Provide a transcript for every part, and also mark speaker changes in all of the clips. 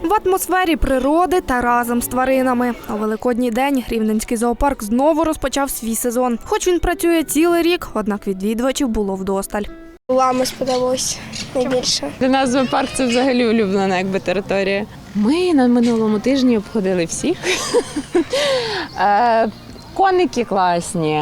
Speaker 1: В атмосфері природи та разом з тваринами. У Великодній день Рівненський зоопарк знову розпочав свій сезон. Хоч він працює цілий рік, однак відвідувачів було вдосталь.
Speaker 2: Лами сподобалось найбільше.
Speaker 3: Для нас зоопарк – це взагалі улюблена територія. Ми на минулому тижні обходили всіх. Коники класні.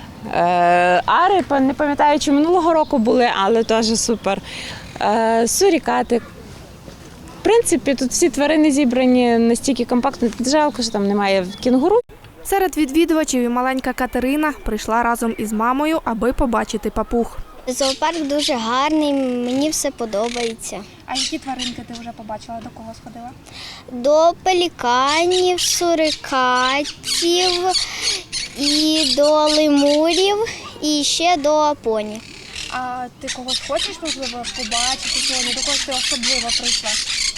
Speaker 3: Ари, не пам'ятаю, чи минулого року були, але теж супер. Сурікати. В принципі, тут всі тварини зібрані настільки компактно. Жалко, що там немає кінгуру.
Speaker 1: Серед відвідувачів і маленька Катерина прийшла разом із мамою, аби побачити папуг.
Speaker 2: Зоопарк дуже гарний, мені все подобається.
Speaker 1: А які тваринки ти вже побачила, до кого сходила?
Speaker 2: До пеліканів, сурикатів, і до лемурів, і ще до поні.
Speaker 1: А ти когось хочеш, можливо, побачити сьогодні? До когось ти особливо прийшла?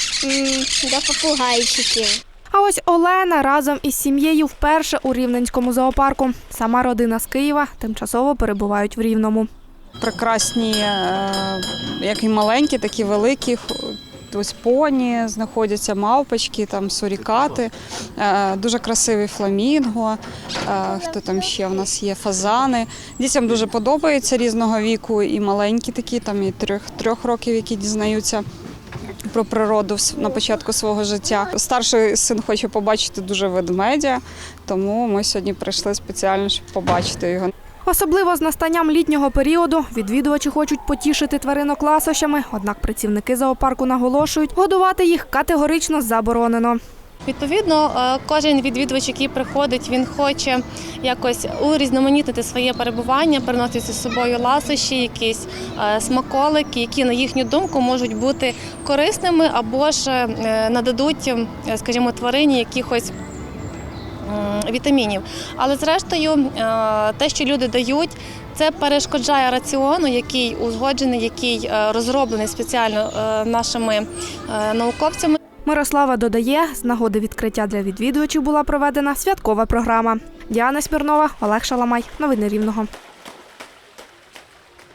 Speaker 2: До попугайчиків.
Speaker 1: А ось Олена разом із сім'єю вперше у Рівненському зоопарку. Сама родина з Києва тимчасово перебувають в Рівному.
Speaker 4: Прекрасні, як і маленькі, так і великі. Ось поні знаходяться, мавпочки, там сурікати, дуже красивий фламінго, хто там ще у нас є, фазани. Дітям дуже подобається різного віку, і маленькі такі, там і 3 років, які дізнаються про природу на початку свого життя. Старший син хоче побачити дуже ведмедя, тому ми сьогодні прийшли спеціально, щоб побачити його.
Speaker 1: Особливо з настанням літнього періоду відвідувачі хочуть потішити тваринок ласощами, однак працівники зоопарку наголошують, годувати їх категорично заборонено.
Speaker 5: Відповідно, кожен відвідувач, який приходить, він хоче якось урізноманітнити своє перебування, приносити з собою ласощі, якісь смаколики, які, на їхню думку, можуть бути корисними або ж нададуть, скажімо, тварині якихось вітамінів. Але зрештою, те, що люди дають, це перешкоджає раціону, який узгоджений, який розроблений спеціально нашими науковцями.
Speaker 1: Мирослава додає, з нагоди відкриття для відвідувачів була проведена святкова програма. Діана Смірнова, Олег Шаламай. Новини Рівного.